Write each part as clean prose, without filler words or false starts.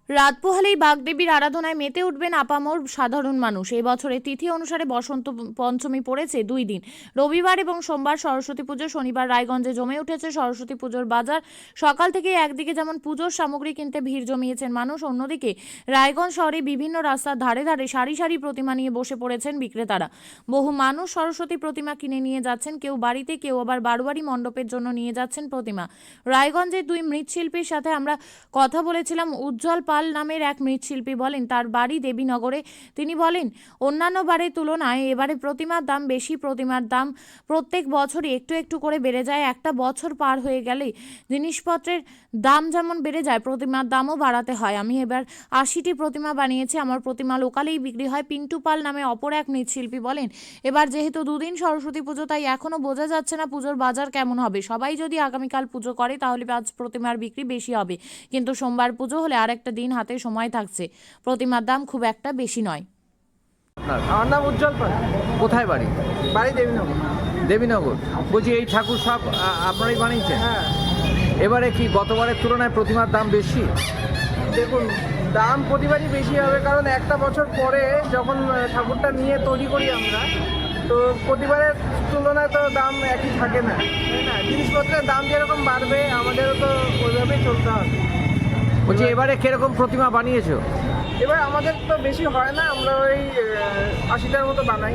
রাত পোহালেই বাগদেবীর আরাধনায় মেতে উঠবেন আপামর সাধারণ মানুষ। এই বছরে তিথি অনুসারে বসন্ত পঞ্চমী পড়েছে 2 দিন, রবিবার এবং সোমবার সরস্বতী পুজো। শনিবার রায়গঞ্জে জমে উঠেছে সরস্বতী পুজোর বাজার। সকাল থেকে একদিকে যেমন পুজোর সামগ্রী কিনতে ভিড় জমিয়েছেন মানুষ, অন্যদিকে রায়গঞ্জ শহরে বিভিন্ন রাস্তার ধারে ধারে সারি সারি প্রতিমা নিয়ে বসে পড়েছেন বিক্রেতারা। বহু মানুষ সরস্বতী প্রতিমা কিনে নিয়ে যাচ্ছেন, কেউ বাড়িতে, কেউ আবার বারোয়ারি মণ্ডপের জন্য নিয়ে যাচ্ছেন প্রতিমা। রায়গঞ্জের 2 মৃৎশিল্পীর সাথে আমরা কথা বলেছিলাম। উজ্জ্বল পাল নামের এক মৃৎশিল্পী বলেন তার বাড়ি দেবীনগরে। তিনি বলেন অন্যান্য বারের তুলনায় এবারে প্রতিমার দাম বেশি। প্রতিমার দাম প্রত্যেক বছরই একটু একটু করে বেড়ে যায়। একটা বছর পার হয়ে গেলে জিনিসপত্রের দাম যেমন বেড়ে যায়, প্রতিমার দামও বাড়াতে হয়। আমি এবার 80টি প্রতিমা বানিয়েছি, আমার প্রতিমা লোকালেই বিক্রি হয়। পিন্টু পাল নামে অপর এক মৃৎশিল্পী বলেন এবার যেহেতু 2 দিন সরস্বতী পুজো, তাই এখনও বোঝা যাচ্ছে না পুজোর বাজার কেমন হবে। সবাই যদি আগামীকাল পুজো করে তাহলে আজ প্রতিমার বিক্রি বেশি হবে, কিন্তু সোমবার পুজো হলে আরেকটা দিন হাতে সময় থাকছে। প্রতিমার দাম খুব একটা বেশি নয়। আমার নাম উজ্জ্বল পাল। কোথায় বাড়ি? বাড়ি দেবীনগর। দেবীনগর। বলছি এই ঠাকুর সব আপনারাই বানিয়েছেন? হ্যাঁ, এবারে কি গতবারের তুলনায় প্রতিমার দাম বেশি? দেখুন দাম প্রতিবারই বেশি হবে, কারণ একটা বছর পরে যখন ঠাকুরটা নিয়ে তৈরি করি আমরা, তো প্রতিবারের তুলনায় তো দাম একই থাকে না, তাই না? জিনিসপত্রের দাম যেরকম বাড়বে আমাদেরও তো ওইভাবেই চলতে হবে। বলছি এবারে কিরকম প্রতিমা বানিয়েছো? এবার আমাদের তো বেশি হয় না, আমরা ওই 80টার মতো বানাই।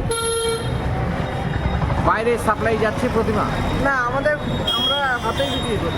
বাইরে সাপ্লাই যাচ্ছে প্রতিমা? না, আমরা হাতেই বিক্রি করি।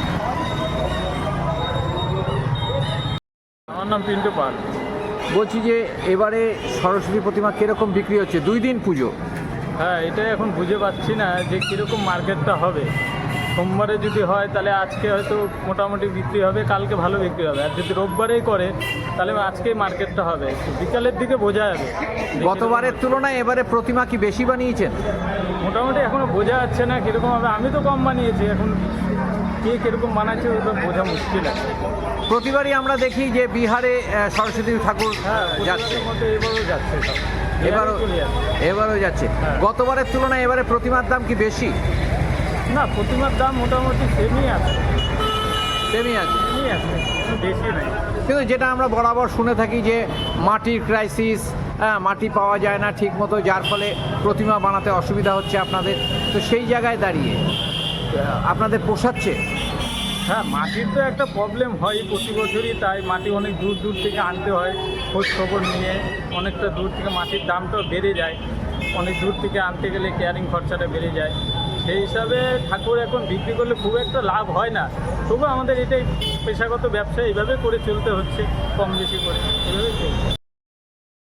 আমার নাম পিন্টু পাল। বলছি যে এবারে সরস্বতী প্রতিমা কিরকম বিক্রি হচ্ছে? 2 দিন পুজো। হ্যাঁ, এটাই এখন বুঝে পাচ্ছি না যে কীরকম মার্কেটটা হবে। সোমবারে যদি হয় তাহলে আজকে হয়তো মোটামুটি বিক্রি হবে, কালকে ভালো বিক্রি হবে। আর যদি রোববারেই করে তাহলে আজকেই মার্কেটটা হবে, বিকালের দিকে বোঝা যাবে। গতবারের তুলনায় এবারে প্রতিমা কি বেশি বানিয়েছেন? মোটামুটি এখনও বোঝা যাচ্ছে না কীরকম হবে। আমি তো কম বানিয়েছি, এখন কে কীরকম বানাচ্ছে ওটা বোঝা মুশকিল আছে। প্রতিবারই আমরা দেখি যে বিহারে সরস্বতী ঠাকুর যাচ্ছে, মতো এবারও যাচ্ছে সব। এবারও যাচ্ছে। হ্যাঁ। গতবারের তুলনায় এবারে প্রতিমার দাম কি বেশি? না, প্রতিমার দাম মোটামুটি সেমই আছে, তেমনি আছে, বেশি নাই। কিন্তু যেটা আমরা বরাবর শুনে থাকি যে মাটির ক্রাইসিস, মাটি পাওয়া যায় না ঠিক মতো, যার ফলে প্রতিমা বানাতে অসুবিধা হচ্ছে আপনাদের। তো সেই জায়গায় দাঁড়িয়ে আপনাদের পোষাচ্ছে? হ্যাঁ, মাটির তো একটা প্রবলেম হয় প্রতি বছরই, তাই মাটি অনেক দূর দূর থেকে আনতে হয়। খোঁজ খবর নিয়ে অনেকটা দূর থেকে মাটির দামটাও বেড়ে যায়। অনেক দূর থেকে আনতে গেলে কেয়ারিং খরচাটা বেড়ে যায়। সেই হিসাবে ঠাকুর এখন বিক্রি করলে খুব একটা লাভ হয় না। তবু আমাদের এটাই পেশাগত ব্যবসা, এইভাবে করে চলতে হচ্ছে, কম বেশি করে এভাবে চলছে।